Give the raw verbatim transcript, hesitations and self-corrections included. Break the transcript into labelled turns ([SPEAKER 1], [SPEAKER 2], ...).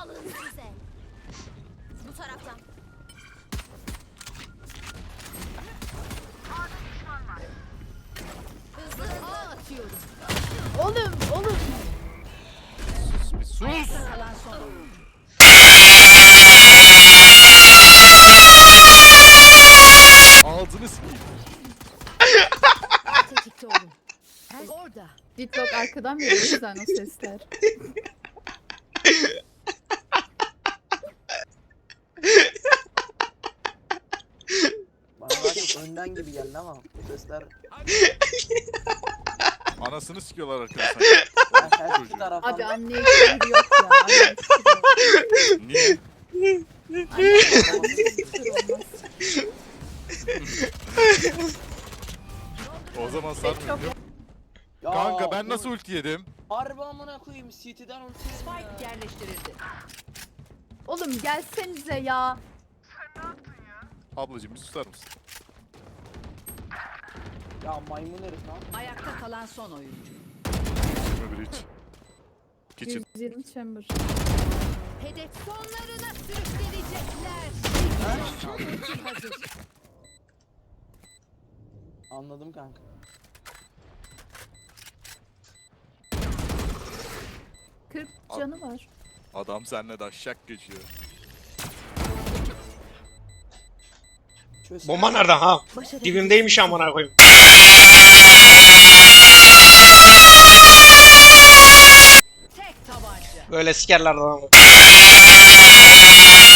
[SPEAKER 1] size. Bu taraftan. Hızlı hızlı atıyorum.
[SPEAKER 2] Oğlum oğlum.
[SPEAKER 3] Bir sus.
[SPEAKER 4] Kalan son oyuncu.
[SPEAKER 3] Ağzını sikeyim.
[SPEAKER 4] Tetikte olun. Her orada.
[SPEAKER 2] Ditlok arkadan veriyor sen o sesler.
[SPEAKER 5] Bana daha çok önden gibi geldi ama bu sesler
[SPEAKER 3] Anasını sikiyorlar arkadaşlar.
[SPEAKER 5] her her iki
[SPEAKER 3] Çocuğu.
[SPEAKER 5] taraftan
[SPEAKER 2] Abi anneye küfür yok ya. Anneye küfür yok.
[SPEAKER 3] Niye?
[SPEAKER 2] Anneye küfür olmaz.
[SPEAKER 3] O zaman
[SPEAKER 2] Çok
[SPEAKER 3] sarmıyor.
[SPEAKER 5] Ya,
[SPEAKER 3] Kanka ben
[SPEAKER 5] bu-
[SPEAKER 3] nasıl ulti yedim?
[SPEAKER 5] Harbi amına koyayım City'den ulti yedim
[SPEAKER 4] Spike
[SPEAKER 5] ya.
[SPEAKER 4] yerleştirildi.
[SPEAKER 2] Oğlum gelsenize ya.
[SPEAKER 3] Ablacığım bir susar mısın?
[SPEAKER 5] Ya maymun herif lan.
[SPEAKER 4] Ayakta kalan son oyuncu.
[SPEAKER 3] Öbürü hiç. Geçin.
[SPEAKER 2] yüz yirmi chamber.
[SPEAKER 1] Hedef sonlarına sürüklenecekler.
[SPEAKER 4] Ultim hazır.
[SPEAKER 5] Anladım kanka.
[SPEAKER 2] kırk canı var.
[SPEAKER 3] Adam seninle daşşak geçiyor.
[SPEAKER 5] Çöz.
[SPEAKER 6] Bomba nerede ha?
[SPEAKER 4] Başarı.
[SPEAKER 6] Dibimdeymiş amına koyayım.
[SPEAKER 4] Tek tabanca.
[SPEAKER 6] Böyle sikerler adamı.